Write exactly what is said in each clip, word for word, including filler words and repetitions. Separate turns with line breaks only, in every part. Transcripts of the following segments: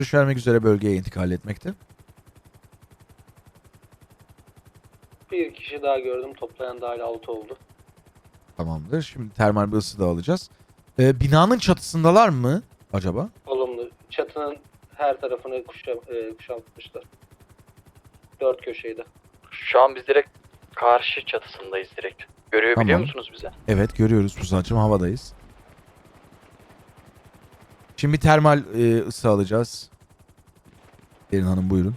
Görüş vermek üzere bölgeye intikal etmekte.
Bir kişi daha gördüm. Toplayan dahil altı oldu.
Tamamdır. Şimdi termal bir ısı da alacağız. Ee, binanın çatısındalar mı acaba?
Olumlu. Çatının her tarafını kuşa, e, kuşatmışlar. Dört köşeydi.
Şu an biz direkt karşı çatısındayız direkt. Görüyor biliyor
Tamam.
musunuz bize?
Evet, görüyoruz Pusat'cığım, havadayız. Şimdi termal e, ısı alacağız. Derin Hanım buyurun.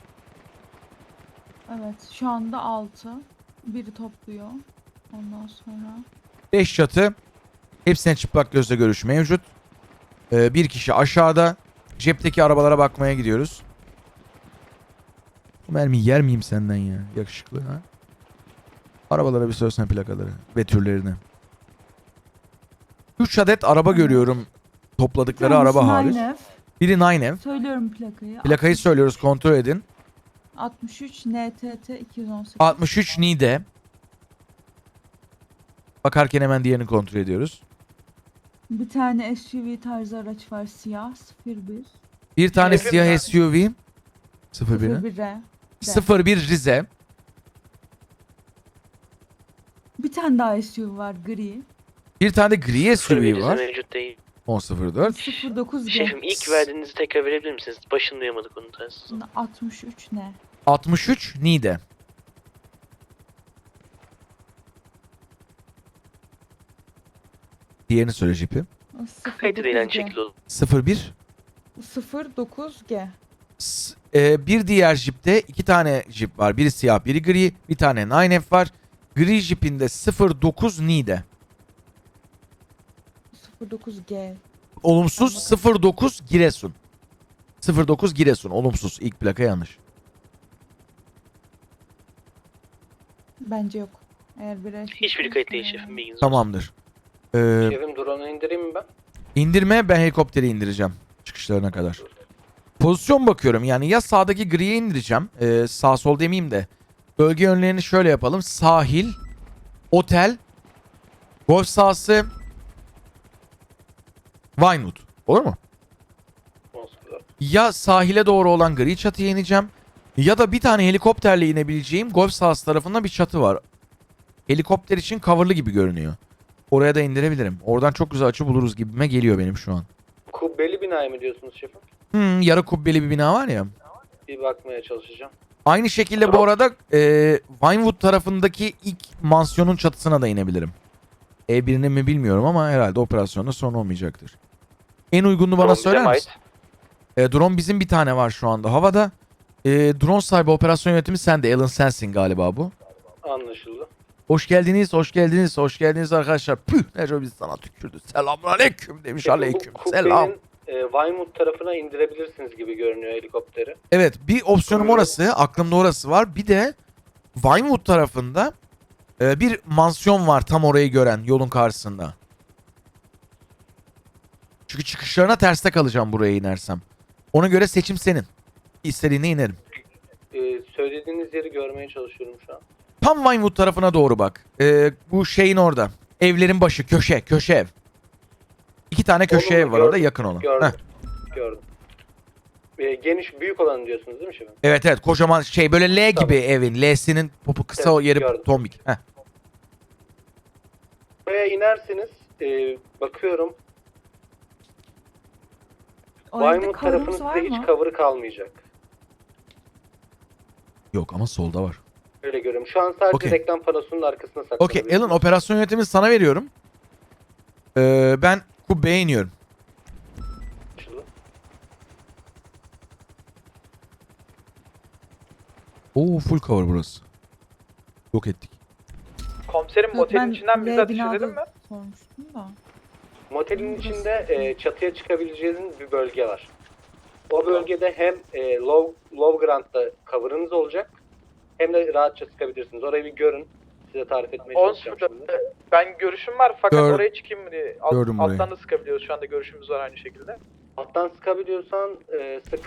Evet, şu anda altı. Biri topluyor. Ondan sonra
beş çatı. Hepsine çıplak gözle görüş mevcut. Ee, bir kişi aşağıda. Cepteki arabalara bakmaya gidiyoruz. Bu mermiyi yer miyim senden ya? Yakışıklı ha? Arabalara bir söylesene plakaları ve türlerini. üç adet araba görüyorum. Topladıkları araba hariç.
nine F.
Biri nine F.
Söylüyorum plakayı.
Plakayı söylüyoruz, kontrol edin.
altmış üç N T T iki yüz on sekiz.
altmış üç Nide. Bakarken hemen diğerini kontrol ediyoruz.
Bir tane S U V tarzı araç var, siyah sıfır bir.
Bir tane
Şefim
siyah
ben-
S U V. sıfır bir.
sıfır bir R.
sıfır bir Rize.
Bir tane daha S U V var, gri.
Bir tane de gri S U V
Bize
var.
mevcut değil.
on sıfır dört.
sıfır dokuz G.
Şefim ilk verdiğinizi tekrar verebilir misiniz? Başını duyamadık onu telsiz.
altmış üç N.
altmış üç Nide. Diğerini söyle jipi.
Kayıtı değil aynı şekilde olur.
sıfır bir.
sıfır dokuz G.
S- e, bir diğer jipte iki tane jip var. Biri siyah, biri gri. Bir tane nine F var. Gri jipinde sıfır dokuz Nide.
sıfır dokuz G.
Olumsuz
Anladım.
sıfır dokuz Giresun. sıfır dokuz Giresun. Olumsuz. İlk plaka yanlış.
Bence yok. Eğer bir
Hiçbiri kayıt değil şefim, bilginiz olsun.
Tamamdır. Ee,
Şefim drone'u indireyim mi ben?
indirme, ben helikopteri indireceğim. Çıkışlarına kadar. Pozisyon bakıyorum. Yani ya sağdaki griye indireceğim. Ee, sağ sol demeyeyim de. Bölge yönlerini şöyle yapalım. Sahil, otel, golf sahası, Vinewood. Olur mu?
on sıfır dört.
Ya sahile doğru olan gri çatıya ineceğim. Ya da bir tane helikopterle inebileceğim golf sahası tarafında bir çatı var. Helikopter için coverlı gibi görünüyor. Oraya da indirebilirim. Oradan çok güzel açı buluruz gibime geliyor benim şu an.
Kubbeli binayı mı diyorsunuz şefim?
Hmm, yarı kubbeli bir bina var ya.
Bir bakmaya çalışacağım.
Aynı şekilde bu arada e, Vinewood tarafındaki ilk mansiyonun çatısına da inebilirim. E birini mi bilmiyorum ama herhalde operasyonda sorun olmayacaktır. En uygununu bana
Drone bize
söyler
mi
misin? E, drone bizim bir tane var şu anda havada. E, drone sahibi operasyon yönetimi sende. Alan sensin galiba bu.
Anlaşıldı.
Hoş geldiniz, hoş geldiniz, hoş geldiniz arkadaşlar. Püh, Neco biz sana tükürdü. Selamünaleyküm demiş,
Şefim,
aleyküm
bu
selam.
kubbenin e, Vinewood tarafına indirebilirsiniz gibi görünüyor helikopteri.
Evet, bir opsiyonum orası, aklımda orası var. Bir de Vinewood tarafında e, bir mansiyon var tam orayı gören yolun karşısında. Çünkü çıkışlarına terste kalacağım buraya inersem. Ona göre seçim senin. İstediğine inerim.
E, söylediğiniz yeri görmeye çalışıyorum şu an.
Tam Vinewood tarafına doğru bak. E, bu şeyin orada. Evlerin başı, köşe, köşe ev. İki tane köşe
Olumlu,
ev var orada
gördüm,
yakın olan.
Gördüm.
Heh.
Gördüm. E, geniş, büyük olanı diyorsunuz değil mi şefim?
Evet evet, kocaman şey böyle L
Tamam.
gibi evin. L'sinin popu kısa
Evet,
yeri
gördüm.
tombik. Heh.
Buraya inersiniz. E, bakıyorum.
O evde
Vinewood
cover'ımız
tarafınızda
var
hiç
mı?
cover kalmayacak.
Yok ama solda var.
Öyle görüyorum. Şu an sadece
Okey.
reklam panosunun arkasına
Okey
saklanabilirsiniz.
Alan, operasyon yönetimini sana veriyorum. Ee, ben kubbeye iniyorum.
Anlaşıldı.
Oo, full cover burası. Yok ettik.
Komiserim
Yok,
motelin
ben
içinden bize
L
ateş
binada
edelim mi?
sormuştum da.
Motelin
Burası.
içinde e, çatıya çıkabileceğiniz bir bölge var. O bölgede hem e, low, low ground'da cover'ınız olacak hem de rahatça sıkabilirsiniz. Orayı bir görün. Size tarif etmeye
on
çalışacağım
sıfır
şimdi.
dört. Ben görüşüm var fakat
Gör-
oraya çıkayım mı diye. Alt,
Gördüm burayı.
alttan da sıkabiliyoruz. Şu anda görüşümüz var aynı şekilde.
Alttan sıkabiliyorsan e, sık.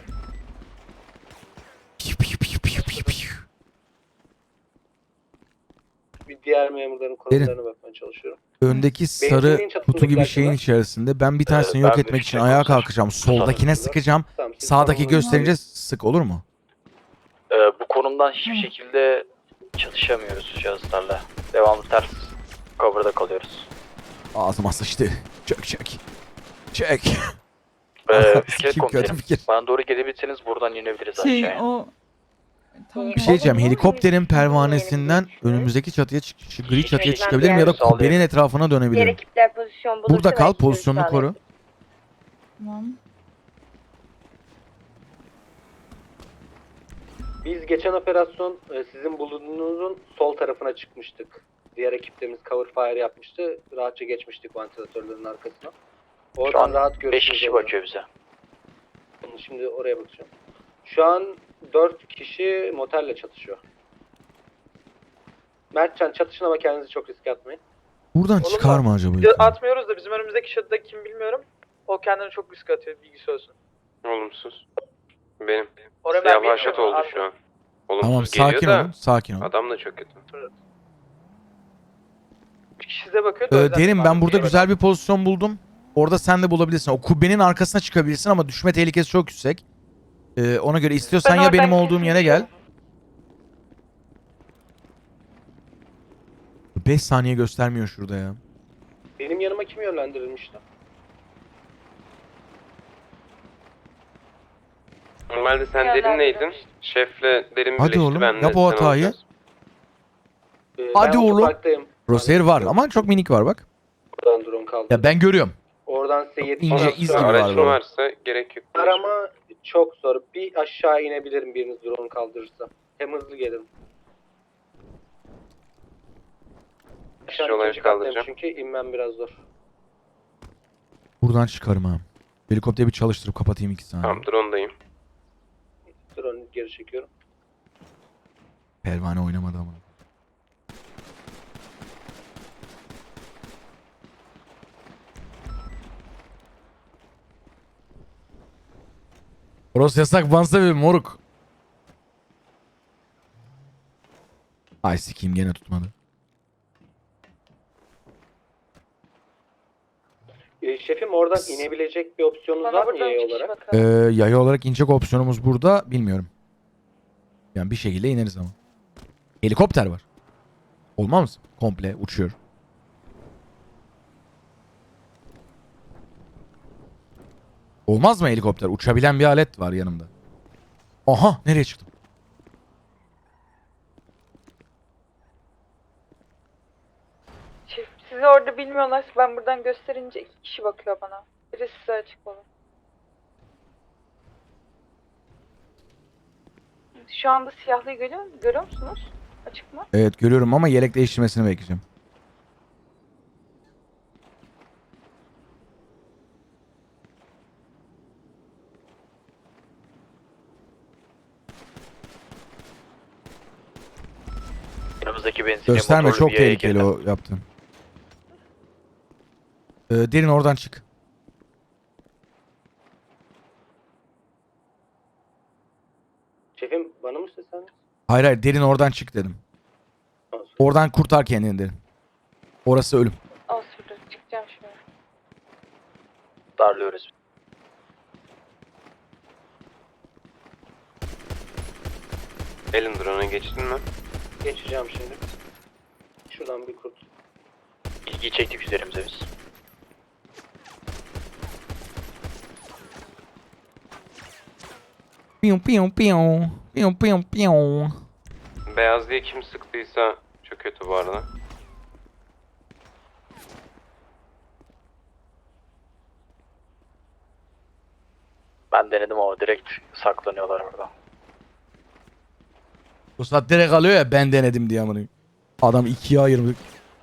Piu, piu, piu, piu, piu, piu.
Bir diğer memurların konumlarına bakmaya çalışıyorum.
Öndeki sarı
Benzinliğin çatısında
kutu gibi
bir
şeyin
var.
içerisinde. Ben bir tanesini
Ee,
yok
ben
etmek
de
için
şey
ayağa
komiser.
kalkacağım. Soldakine sıkacağım.
Tamam, siz
Sağdaki
tamamlayın.
gösterince sık, olur mu?
Ee, bu konumdan hiçbir
Hı.
şekilde çalışamıyoruz cihazlarla. Devamlı ters cover'da kalıyoruz.
Ağzıma sıçtı. Çök çök. Çök.
Ee,
Sikeyim,
fikir
kötü
komiserim.
fikir.
Bana doğru gelebilirseniz buradan inebiliriz
Şey
aşağıya.
o... Tamam.
Bir şey diyeceğim. Helikopterin pervanesinden önümüzdeki çatıya çık şu gri çatıya
Hiçbir
çıkabilirim ya da
sağlayamıyorum.
kubbenin etrafına
Diğer
dönebilirim.
ekipler pozisyon bulursa
Burada kal,
belki görüş
pozisyonunu koru.
sağlayabilir.
Tamam.
Biz geçen operasyon e, sizin bulunduğunuzun sol tarafına çıkmıştık. Diğer ekiplerimiz cover fire yapmıştı. Rahatça geçmiştik ventilatörlerin arkasına.
Şu
Oradan
an
rahat
beş
görüşümüz
kişi
oluyor.
bakıyor bize.
Şimdi oraya bakacağım. Şu an dört kişi motelle çatışıyor. Mertcan çatışın ama kendinizi çok riske atmayın.
Buradan
Oğlum
çıkar
bak,
mı acaba?
Biz atmıyoruz da bizim önümüzdeki şatıda kim bilmiyorum. O kendini çok risk atıyor, bilgisi olsun.
Olumsuz. Benim.
Oraya ben
Siyah vahşet
bilmiyorum,
oldu
abi.
şu an. Olumsuz
Tamam,
geliyor
sakin
da
olun. Sakin olun.
adam da çok kötü.
Bir kişi size bakıyor da o
Ee,
yüzden
derim ben
bazı
burada
şeye
güzel bir pozisyon buldum. Orada sen de bulabilirsin. O kubbenin arkasına çıkabilirsin ama düşme tehlikesi çok yüksek. Ee, ona göre istiyorsan
Ben
ya benim
oradan
olduğum yere gel. beş saniye göstermiyor şurada ya.
Benim yanıma kim yönlendirilmişti?
Normalde sen
Yerler
derin neydin?
verilmiş.
Şefle derin
Hadi
birleşti,
oğlum,
ben de
yap o
sen
hatayı.
olacağız.
Ee,
Hadi
ben
oğlum.
otoparktayım.
Crosshair var ama çok minik var bak.
Oradan drone kaldı.
Ya ben görüyorum.
Oradan size yetişen
İnce
sonra-
iz gibi var
Aracın
böyle.
varsa gerek yok.
Arama çok zor. Bir aşağı inebilirim biriniz drone kaldırırsa. Hem hızlı gelirim. Aşağı
Kişi olarak
ikinci kattayım
kaldıracağım.
çünkü inmem biraz zor.
Buradan çıkarım ha. Helikopteri bir çalıştırıp kapatayım iki saniye.
Tamam drone'dayım.
Drone'u geri çekiyorum.
Pervane oynamadı ama. Burası yasak bansa bir moruk. Ay sikeyim gene tutmadı.
Ee, şefim oradan inebilecek bir opsiyonunuz
Bana
var mı
buradan
yaya
üç kişi
olarak?
Ee,
bakıyor.
yaya olarak inecek opsiyonumuz burada bilmiyorum. Yani bir şekilde ineriz ama. Helikopter var. Olmaz mı? Komple uçuyor. Olmaz mı helikopter? Uçabilen bir alet var yanımda. Aha, nereye çıktım?
Şef, sizi orada bilmiyorlar. Ben buradan gösterince iki kişi bakıyor bana. Biri size açık olun. Şu anda siyahlıyı görüyor, görüyor musunuz? Açık mı?
Evet görüyorum ama yelek değiştirmesini bekleyeceğim.
Yanımızdaki benzinliğe
Gösterme,
motorlu
çok
bir yaya
tehlikeli
girdi.
o yaptın. Ee, derin oradan çık.
Şefim bana mı seslendiniz?
Hayır hayır, derin oradan çık dedim. Oradan kurtar kendini derin. Orası ölüm.
Al şurada çıkacağım şimdi.
Darlıyoruz.
Elin drone'a geçtin mi?
Geçeceğim şimdi. Şuradan bir kurt.
İlgi çektik üzerimize biz.
Piyum piyum piyum. Piyum piyum piyum.
Beyaz diye kim sıktıysa çok kötü bu arada.
Ben denedim ama direkt saklanıyorlar orada.
Bu saat direkt alıyor ya, ben denedim diye amına. Adam ikiye ayırmış.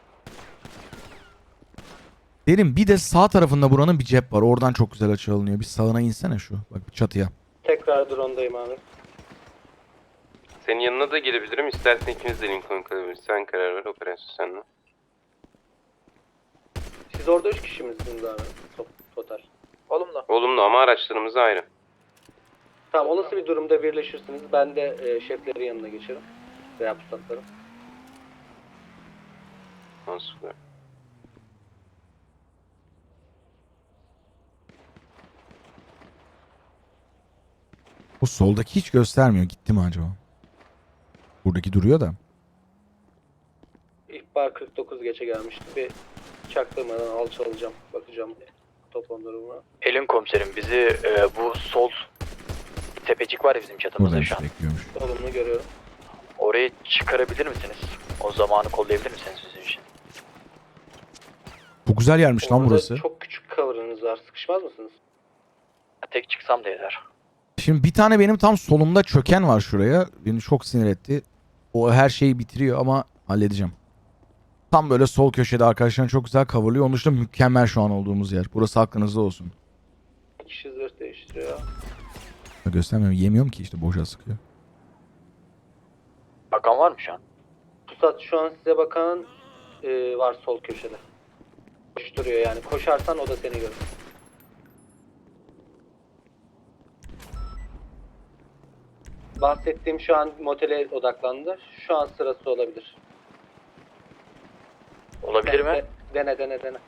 Derin bir de sağ tarafında buranın bir cep var. Oradan çok güzel açı alınıyor. Bir sağına insene şu. Bak bir çatıya.
Tekrar drone'dayım abi.
Senin yanına da gelebilirim. İstersen ikimiz de Lincoln kalabiliriz. Sen karar ver, operasyon seninle.
Siz orada üç kişi misiniz abi? To- Total.
Olumlu.
Olumlu ama araçlarımız ayrı.
Tamam olası bir durumda birleşirsiniz. Ben de e, şeflerin yanına geçerim. Veya pusatlarım.
Nasıl?
Bu soldaki hiç göstermiyor. Gitti mi acaba? Buradaki duruyor da.
İhbar kırk dokuz geçe gelmişti. Bir çaktırmadan alçalacağım. Bakacağım toplam durumuna.
Elin komiserim bizi e, bu sol tepecik var ya bizim çatımızda
Buradaymış,
şu an.
bekliyormuş.
Olumlu görüyorum.
Orayı çıkarabilir misiniz? O zamanı kollayabilir misiniz bizim için?
Bu güzel yermiş lan
Orada
burası.
çok küçük cover'ınız var. Sıkışmaz mısınız?
Tek çıksam da yeter.
Şimdi bir tane benim tam solumda çöken var şuraya. Beni çok sinir etti. O her şeyi bitiriyor ama halledeceğim. Tam böyle sol köşede arkadaşlarım çok güzel coverlıyor. Onun dışında mükemmel şu an olduğumuz yer. Burası aklınızda olsun.
Bir kişi zırh değiştiriyor.
Göstermiyorum. Yemiyorum ki işte boşa sıkıyor.
Bakan var mı şu an?
Pusat şu an size bakan e, var sol köşede. Koşturuyor yani. Koşarsan o da seni görür. Bahsettiğim şu an motele odaklandı. Şu an sırası olabilir.
Olabilir mi?
De- Dene dene dene.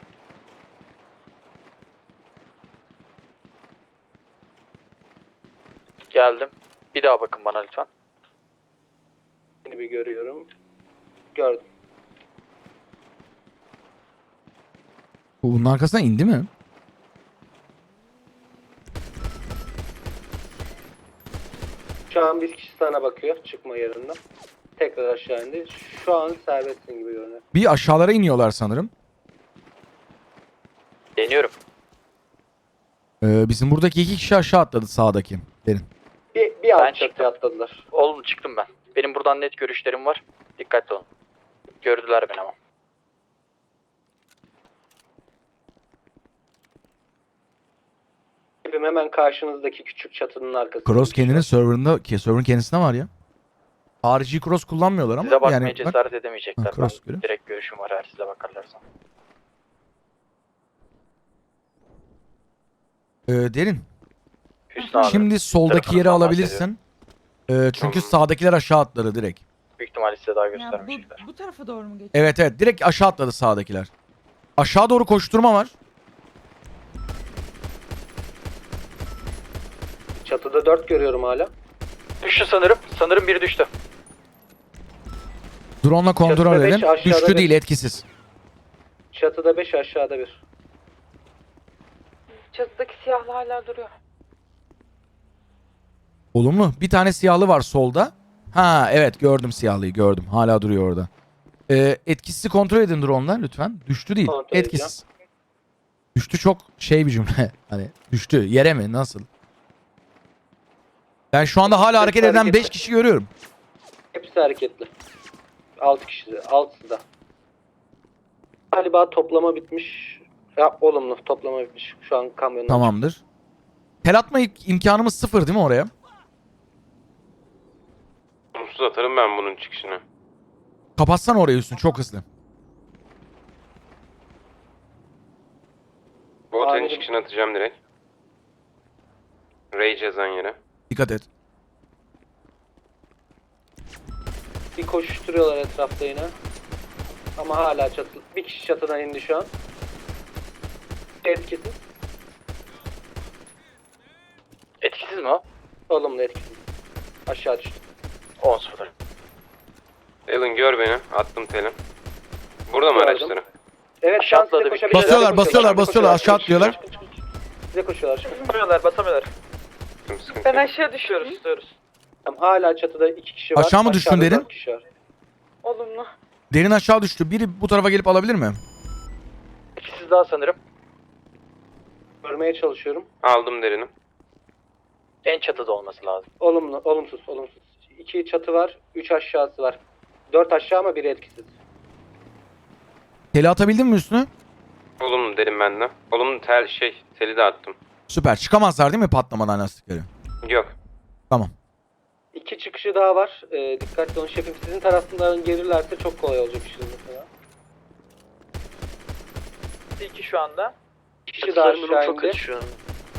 Geldim. Bir daha bakın bana lütfen.
Seni bir görüyorum. Gördüm.
Bu bunun arkasına indi mi?
Şu an bir kişi sana bakıyor çıkma yerinden. Tekrar aşağı indi. Şu an serbestsin gibi görünüyor.
Bir aşağılara iniyorlar sanırım.
Deniyorum.
Ee, bizim buradaki iki kişi aşağı atladı sağdaki. Derin.
Bir, bir
Ben
alt
çıktım.
çatıya atladılar.
Oğlum çıktım ben. Benim buradan net görüşlerim var. Dikkatli olun. Gördüler beni ama.
Hepim hemen karşınızdaki küçük çatının arkasında.
Cross kendinin serverında, ki server'ın kendisinde var ya. Harici cross kullanmıyorlar ama
Size bakmaya
yani bak,
cesaret edemeyecekler.
Ha, cross
Ben
görüyor.
direkt görüşüm var eğer size bakarlarsa.
e, Derin.
Hüsnü abi.
Şimdi soldaki yeri
tarafından
alabilirsin. E, çünkü
Tamam.
sağdakiler aşağı atladı direkt.
Büyük ihtimalle size daha
Ya
göstermeyecekler.
bu, bu tarafa doğru mu geçiyor?
Evet evet direkt aşağı atladı sağdakiler. Aşağı doğru koşturma var.
Çatıda dört görüyorum hala.
Düştü sanırım. Sanırım biri düştü.
Drone'la kontrol
Çatıda beş,
edelim.
aşağıda
Düştü
bir.
değil, etkisiz.
Çatıda beş aşağıda bir.
Çatıdaki siyahlı hala duruyor.
Olumlu. Bir tane siyahlı var solda. Ha evet gördüm siyahlıyı gördüm. Hala duruyor orada. Ee, etkisizi kontrol edin drone'la lütfen. Düştü değil.
Kontrol
Etkisiz. Düştü çok şey bir cümle. Hani düştü. Yere mi? Nasıl? Ben şu anda hala hareket eden
hareketli.
beş kişi görüyorum.
Hepsi hareketli. altı kişi. altısı da. Galiba toplama bitmiş. Ya olumlu toplama bitmiş. Şu an kamyonun.
Tamamdır. Tel atma im- imkanımız sıfır değil mi oraya?
Umsuz atarım ben bunun çıkışını.
Kapatsana orayı üstünü çok hızlı.
Bu otelin
Anladım.
çıkışını atacağım direkt. Rage yazan yere.
Dikkat et.
Bir koşuşturuyorlar etrafta yine. Ama hala çatı. Bir kişi çatıdan indi şu an. Etkisiz.
Etkisiz mi o?
Olumlu etkisiz. Aşağı düştü.
on sıfır.
Alan gör beni. Attım teli. Burada mı
Gördüm.
araçları?
Evet
Aşağı
şu an size
atladı bir
koşabilirler.
kişi.
Basıyorlar,
Size
basıyorlar,
koşuyorlar,
basıyorlar. Aşağı
koşuyorlar.
atlıyorlar.
Size koşuyorlar.
Basamıyorlar basamıyorlar.
Sıkıntı sıkıntı
Ben
yok.
aşağı düşüyorum.
Tutuyoruz tutuyoruz.
Tamam, hala çatıda iki kişi var.
Aşağı mı düştün
Aşağıda
derin?
dört kişi var.
Olumlu.
Derin aşağı düştü. Biri bu tarafa gelip alabilir mi?
Etkisiz daha sanırım.
Görmeye çalışıyorum.
Aldım derini.
En çatıda olması lazım.
Olumlu, olumsuz, olumsuz. İki çatı var, üç aşağısı var. Dört aşağı ama biri etkisiz.
Teli atabildin mi üstüne?
Olumlu derim ben de. Olumlu tel şey teli de attım.
Süper. Çıkamazlar değil mi patlamadan lastikleri?
Yok.
Tamam.
İki çıkışı daha var. Ee, dikkatli olun şefim. Sizin tarafından gelirlerse çok kolay olacak işiniz mesela.
İki şu anda.
İki kişi daha
Çatıların durumu
aşağı
çok
indi.
kötü şu an.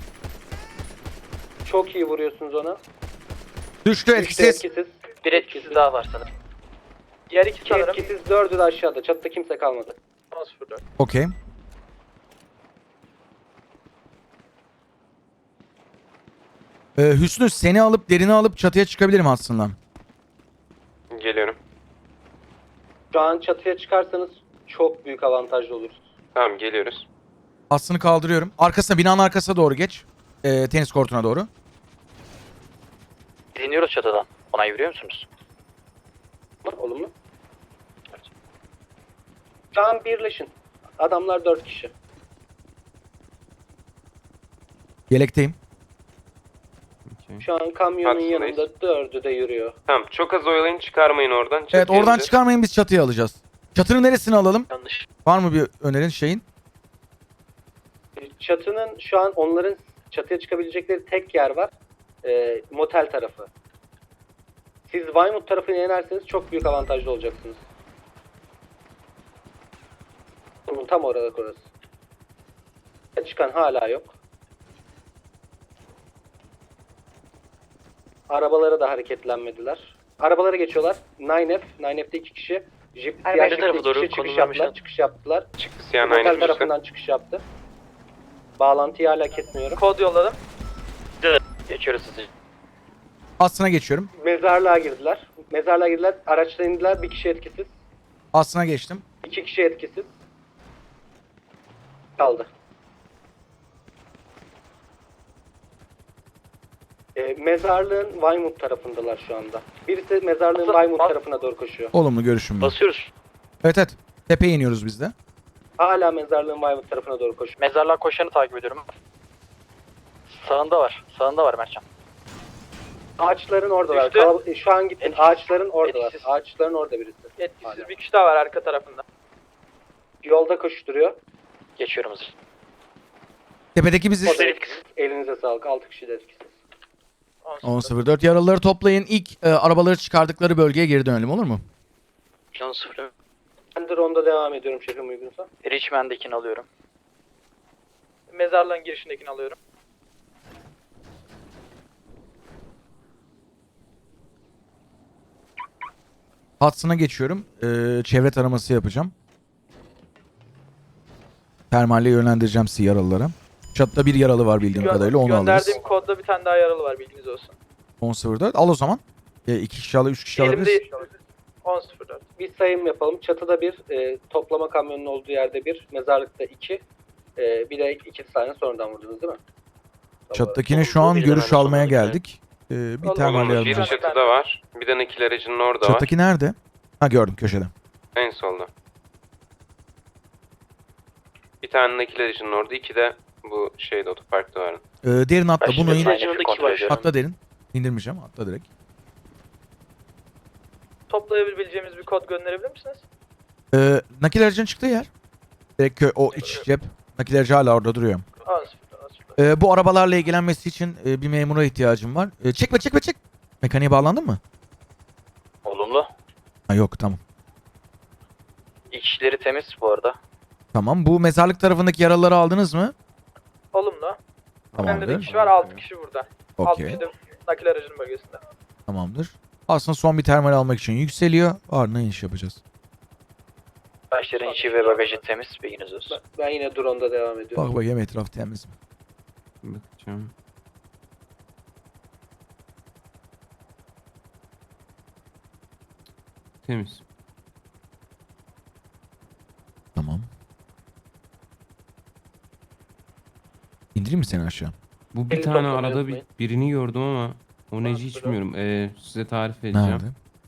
Çok iyi vuruyorsunuz ona.
Düştü
Üçte
etkisiz.
etkisiz.
Bir etkisiz daha var sanırım.
Diğer iki
İki
sanırım.
etkisiz, dördü de aşağıda. Çatıda kimse kalmadı.
on sıfır dört.
Okey. Ee, Hüsnü seni alıp derini alıp çatıya çıkabilirim aslında.
Geliyorum.
Şu an çatıya çıkarsanız çok büyük avantajlı olursunuz.
Tamam geliyoruz.
Aslını kaldırıyorum. Arkasına, binanın arkasına doğru geç. Ee, tenis kortuna doğru.
Dinliyoruz çatıdan. Onay veriyor musunuz?
Olumlu. Şu an birleşin. Adamlar dört kişi.
Yelekteyim.
Okey.
Şu an kamyonun
Haklısınız.
yanında dördü de yürüyor.
Tamam çok az oyalayın çıkarmayın oradan.
Evet,
Çatıya
oradan
ineceğiz.
çıkarmayın, biz çatıya alacağız. Çatının neresini alalım?
Yanlış.
Var mı bir önerin şeyin?
Çatının şu an onların çatıya çıkabilecekleri tek yer var. Ee, motel tarafı. Siz Weymouth tarafına inerseniz çok büyük avantajlı olacaksınız. Bunun tam orada orası. Çıkan hala yok. Arabalara da hareketlenmediler. Arabalara geçiyorlar. nine F, nine F'de iki kişi. Jeep,
Ay,
diğer
ben de
Jeep'te
tarafa
iki
doğru
kişi çıkış
konumlanmışlar.
yaptılar. Çıkış yaptılar.
Çıktı siyah
Motel
nine
tarafından çıkış yaptı. Bağlantıyı hala kesmiyorum.
Kod yolladım.
Geçiyoruz sizi.
Aslına geçiyorum.
Mezarlığa girdiler. Mezarlığa girdiler. Araçtan indiler. Bir kişi etkisiz.
Aslına geçtim.
İki kişi etkisiz. Kaldı. Ee, mezarlığın Weymouth tarafındalar şu anda. Birisi mezarlığın
Bas-
Weymouth
bas-
tarafına doğru koşuyor.
Olumlu görüşüm var.
Basıyoruz.
Evet evet. Tepeye iniyoruz biz de.
Hala mezarlığın Weymouth tarafına doğru koşuyor.
Mezarlığa koşanı takip ediyorum. Sağında var. Sağında var Mertcan.
Ağaçların oradalar.
Düştü.
Kalab- Şu an gittin.
Etkisiz.
Ağaçların oradalar.
Etkisiz.
Ağaçların orada birisi.
Etkisiz
Hala.
bir kişi daha var arka tarafında.
Yolda koşturuyor.
Geçiyorum hızlı.
Tepedeki biziz.
O da etkisiz. Elinize sağlık. Altı kişi de etkisiz.
on sıfır dört yaralıları toplayın. İlk e, arabaları çıkardıkları bölgeye geri dönelim, olur mu?
Can sıfır.
Ben de ronda devam ediyorum şefim uygunsa.
Richmond'dekini alıyorum.
Mezarlığın girişindekini alıyorum.
Hudson'a geçiyorum. Ee, çevre taraması yapacağım. Termalle yönlendireceğim sizi yaralılara. Çatıda bir yaralı var bildiğim
Gö-
kadarıyla, onu alırız.
Gönderdiğim kodda bir tane daha yaralı var bilginiz olsun.
on sıfır dört al o zaman. E, iki kişi al, üç kişi alabiliriz.
Elimde on sıfır dört.
Bir sayım yapalım. Çatıda bir, e, toplama kamyonunun olduğu yerde bir, mezarlıkta iki, e, bir de iki tane sonradan vurdunuz değil mi?
Çatıdakine şu an
Bir de
görüş
hemen
almaya
sonraki.
geldik. Ee, bir
Olumlu.
termalle
Olumlu.
yardım.
Bir
Tamam.
çatıda var. Bir de nakil aracının orada var.
Çatıdaki nerede? Ha, gördüm köşede.
En solda. Bir tane nakil aracının orada. İki de bu şeyde otoparkta var.
Ee, derin atla,
Ben
bunu
şimdi
in.
aynı
Yanındaki
kontrol
var.
ediyorum.
Atla derin. İndirmeyeceğim, atla direkt.
Toplayabileceğimiz bir kod gönderebilir misiniz?
Ee, nakil aracının çıktığı yer. Direkt kö- o iç cep. Nakil aracı hala orada duruyor.
on sıfır dört, on sıfır dört.
Ee, bu arabalarla ilgilenmesi için e, bir memura ihtiyacım var. Ee, çekme çekme çek. Mekaniğe bağlandın mı?
Olumlu.
Ha, yok, tamam.
İki kişileri temiz bu arada.
Tamam, bu mezarlık tarafındaki yaralıları aldınız mı?
Olumlu. Bende de
Tamamdır.
kişi var, altı kişi burada. altı
Okey,
kişi de nakil aracının bölgesinde.
tamamdır. Aslında son bir termal almak için yükseliyor. Ardından iniş yapacağız.
Başların içi ve bagajı temiz. Bilginiz olsun.
Ben, ben yine drone'da devam ediyorum.
Bak bakayım etraf temiz mi?
Bakacağım. Temiz.
Tamam. İndireyim mi seni aşağı?
Bu bir
Elini
tane
toplamayı
arada bir,
unutmayın.
birini gördüm ama o neci hiç bilmiyorum. Ee, size tarif edeceğim.
Nerede?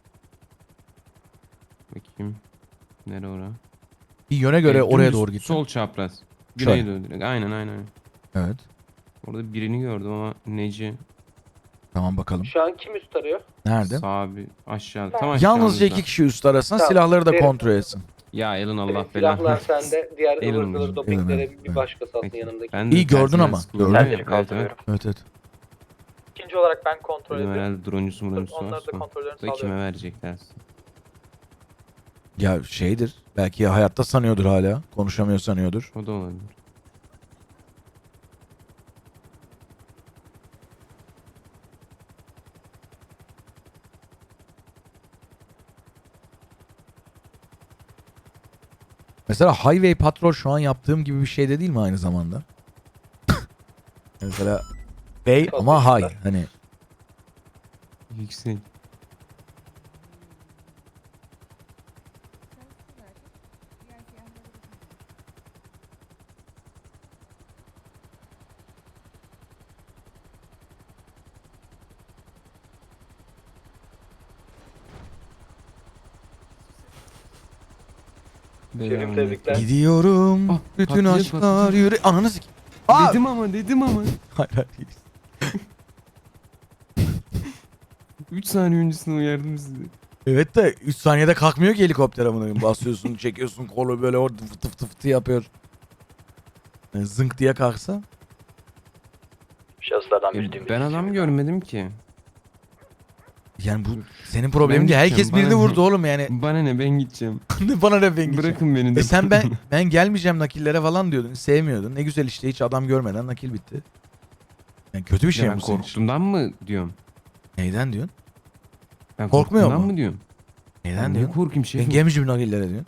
Bakayım. Nere ora?
Bir yöne göre
Ee,
oraya
dümdüz,
doğru gittim.
Sol çapraz.
Şöyle.
Güneydoğu direkt. Aynen aynen. aynen.
Evet.
Orada birini gördüm ama neci?
Tamam, bakalım.
Şu an kim üst arıyor?
Nerede?
Sağ bir aşağı. Tam aşağımızda.
Yalnızca iki kişi üst arasın.
Tamam,
Silahları da
derin.
kontrol etsin.
Ya Elin Allah
Evet,
belanı.
silahlar sende. Diğer
Elin
ıvır zıvır
olsun.
dopinglere
Elin,
bir
evet.
başkası alsın
Peki.
yanındaki.
Ben de
İyi gördün
tersinden
ama.
sıkılıyorum.
Gördün.
Terleri
Evet, evet.
kaldırıyorum.
Evet evet.
İkinci olarak ben kontrol
Dedim
ediyorum.
herhalde droncusu muroncusu
Onları da
varsa.
kontrollerini
Da kime
sağlıyorum.
verecekler?
Ya şeydir. Belki ya hayatta sanıyordur hala. Konuşamıyor sanıyordur.
O da olabilir.
Mesela Highway Patrol şu an yaptığım gibi bir şey de değil mi aynı zamanda? Mesela Bey
Çok
ama hay
teşekkürler.
hani.
Yüksek.
Şefim, tebrikler.
Gidiyorum.
Ah,
bütün
patlayacak,
aşklar
patlayacak.
yürü. Ananı sik. Aa!
Dedim ama dedim ama.
Hayır hayır.
üç saniye öncesinde uyardım sizi.
Evet de üç saniyede kalkmıyor ki helikopter amına koyayım. Basıyorsun, çekiyorsun kolu böyle orada fıtı fıtı fıtı yapıyor. Yani zınk diye kalksa.
Şahıslardan
E,
biri dümdüz.
ben adam görmedim ki.
Yani bu senin problemin değil.
Ben
Herkes
gideceğim,
birini
bana
vurdu
ne?
oğlum yani.
Bana ne, ben gideceğim.
Bana ne ben gideceğim.
Bırakın beni de.
E sen ben ben gelmeyeceğim nakillere falan diyordun. Sevmiyordun. Ne güzel işte hiç adam görmeden nakil bitti. Yani kötü bir şey
Ya
mi
ben
bu senin için?
korktuğumdan mı diyorum?
Neyden diyorsun?
Ben
Korkmuyor
korktuğumdan
mu?
mı diyorum?
Neyden
Ben niye
diyorsun?
korkayım
Ben
şefim?
gelmeyeceğim nakillere diyorsun.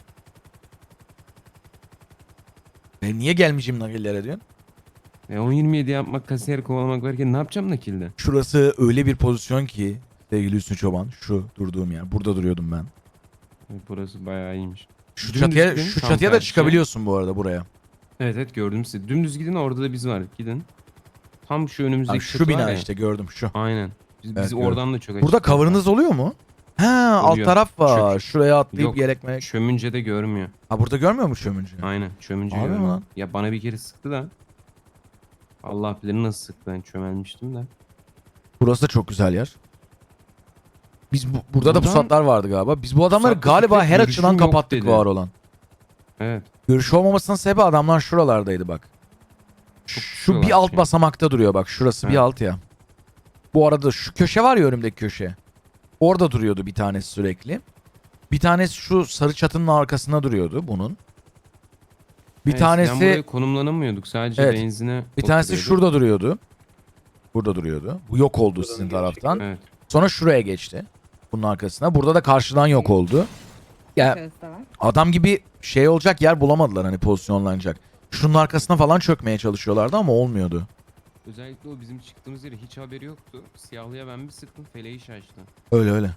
Ben niye gelmeyeceğim nakillere diyorsun?
E on yirmi yedi yapmak, kasiyer kovalamak varken ne yapacağım nakilde?
Şurası öyle bir pozisyon ki sevgili Hüsnü Çoban. Şu durduğum yer. Burada duruyordum ben.
E, burası bayağı iyiymiş.
Şu
Dümdüz
çatıya,
gidin,
şu
tam
çatıya da
tersi.
çıkabiliyorsun bu arada buraya.
Evet evet gördüm sizi. Dümdüz gidin, orada da biz var. Gidin. Tam şu önümüzdeki
Bak, şu
çatı var
bina
ya.
işte gördüm şu.
Aynen. Biz,
Evet,
biz
gördüm.
oradan da çok
Burada
açık.
cover'ınız oluyor mu? Ha alt
Oluyor.
taraf var.
Çök.
Şuraya atlayıp
Yok.
yelek melek.
Çömünce de görmüyor.
Ha burada görmüyor mu çömüncü?
Aynen. Çömünce
Abi mi
görmüyor.
lan?
Ya bana bir kere sıktı da. Allah bilir nasıl sıktı. Ben çömelmiştim de.
Burası da çok güzel yer. Biz bu- burada da
Buradan-
pusatlar vardı galiba. Biz bu adamları
Pusatlı
galiba
tüfek
her
görüşüm
açıdan
yok
kapattık
dedi.
var olan.
Evet.
Görüş olmamasının sebebi adamlar şuralardaydı bak.
Çok
Şu bir
şuralar
alt
şey.
basamakta duruyor bak. Şurası bir
Evet.
alt ya. Bu arada şu köşe var ya önümdeki köşe. Orada duruyordu bir tanesi sürekli. Bir tanesi şu sarı çatının arkasında duruyordu bunun. Bir
Evet, eskiden
tanesi
buraya konumlanamıyorduk. Sadece
Evet.
benzine
bir tanesi
oturuyorduk.
şurada duruyordu. Burada duruyordu. Bu yok oldu
Buradan
sizin
geri
taraftan.
Evet.
Sonra şuraya geçti. Bunun arkasına. Burada da karşıdan yok oldu. Ya adam gibi şey olacak yer bulamadılar hani pozisyonlanacak. Şunun arkasına falan çökmeye çalışıyorlardı ama olmuyordu.
Özellikle o bizim çıktığımız yere hiç haberi yoktu. Siyahlıya ben bir sıktım, feleği şaştı.
Öyle öyle.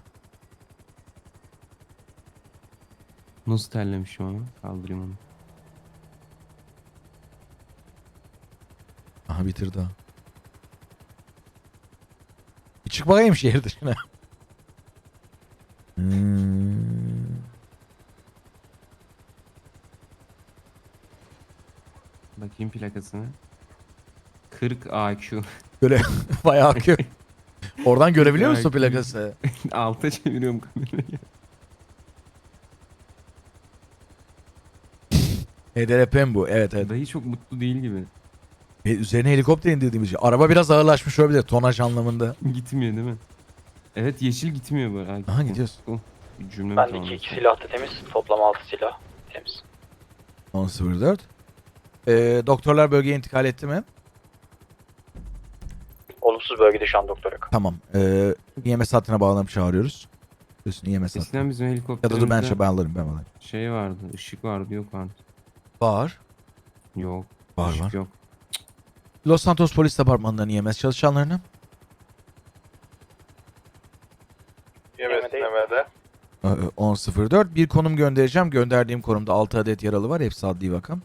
Nasıl terlemişim ama. Kaldırayım onu.
Aha bitirdi ha. Bir çık bakayım şehir dışına. Hmm.
Bakayım plakasına. kırk A Q.
Böyle bayağı akıyor. Oradan görebiliyor musun
Bayağı
plakası?
Alta çeviriyorum kamerayı.
H D R P'm bu. Evet evet.
Dayı çok mutlu değil gibi.
E, üzerine helikopter indirdiğimiz için. Araba biraz ağırlaşmış olabilir tonaj anlamında.
Gitmiyor değil mi? Evet yeşil gitmiyor bu. Aa,
Aha gidiyoruz.
Oh, bir cümle
Bendeki iki silah da temiz. Toplam altı silah temiz.
on sıfır dört. Ee, doktorlar bölgeye intikal etti mi?
Olumsuz bölgede şu an doktor yok.
Tamam. Ee, E M S hattına bağlanıp çağırıyoruz. Üstüne E M S hattı.
Eskiden bizim
Ya
helikopterimizde
da dur ben şey ben alırım ben alırım.
şey vardı, ışık vardı, yok artık.
Var.
Yok,
Var
ışık
var.
yok.
Los Santos Polis Departmanı'ndan E M S çalışanlarını.
Yemede.
Ee, on sıfır dört. Bir konum göndereceğim. Gönderdiğim konumda altı adet yaralı var. Hepsi adli vakam.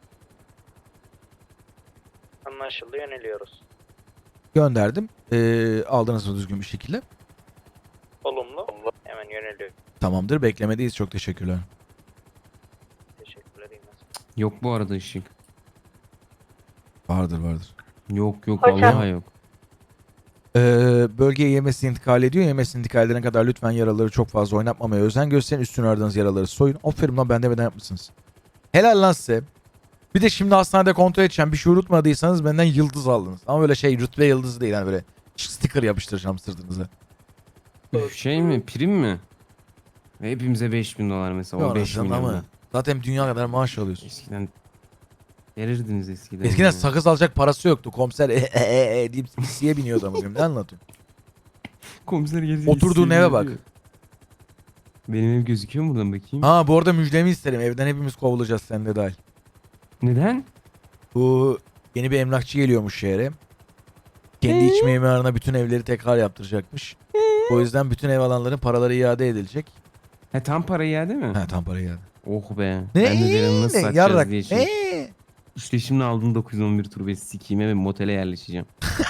Anlaşıldı, yöneliyoruz.
Gönderdim. Ee, aldınız mı düzgün bir şekilde?
Olumlu. Hemen yöneliyor.
Tamamdır. Beklemedeyiz. Çok teşekkürler.
Teşekkürler. iyi günler.
Yok bu arada ışık.
Vardır vardır.
Yok yok
Hocam.
vallahi yok.
Ee, bölgeye E M S intikal ediyor. E M S intikal edene kadar lütfen yaraları çok fazla oynatmamaya özen gösterin. Üstüne aradığınız yaraları soyun. Aferin lan ben demeden yapmışsınız. Helal lan size. Bir de şimdi hastanede kontrol edeceğim. Bir şey unutmadıysanız benden yıldız aldınız. Ama böyle şey rütbe yıldızı değil. Yani böyle sticker yapıştıracağım sırtınıza.
Üf, şey mi, prim mi? Ve hepimize beş bin dolar mesela. O
Yok
beş
anasını
milyon.
ama zaten dünya kadar maaş alıyorsun.
Eskiden verirdiniz eskiden.
Eskiden
ya.
sakız alacak parası yoktu. Komiser e e e, e deyip siye biniyordu ama ne anlatıyorsun?
Komiser gelecek.
Oturduğun
isteği
eve bak.
veriyor. Benim ev gözüküyor mu buradan bakayım?
Ha bu arada müjdemi isterim. Evden hepimiz kovulacağız sen de dahil.
Neden?
Bu yeni bir emlakçı geliyormuş şehre. Kendi iç mimarına bütün evleri tekrar yaptıracakmış. O yüzden bütün ev alanların paraları iade edilecek.
He tam para iade mi?
Ha tam para iade.
Oh be.
Ne?
Ben de derim nasıl
Ne?
satacağız
Yarrak.
diye şey.
Ne?
İşte şimdi aldım dokuz yüz on bir turbesi sikiyime ve motele yerleşeceğim.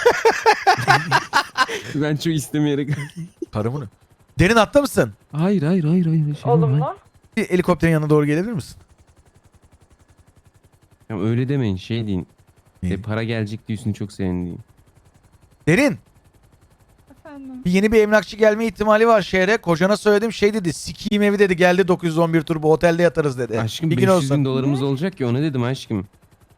Ben çok istemeyerek.
Karımı ne? Derin hatta mısın?
Hayır hayır hayır hayır. Şey
Olumlu.
Bir helikopterin yanına doğru gelebilir misin?
Ya öyle demeyin şey deyin.
İyi.
E, para gelecek diyorsun çok sevindiğim.
Derin.
Efendim.
Bir yeni bir emlakçı gelme ihtimali var şehre. Kocana söyledim şey dedi. Sikiyim evi dedi. Geldi dokuz yüz on bir turbo otelde yatarız dedi.
Aşkım
bir gün
beş yüz bin
olsun.
dolarımız olacak ya ona dedim aşkım.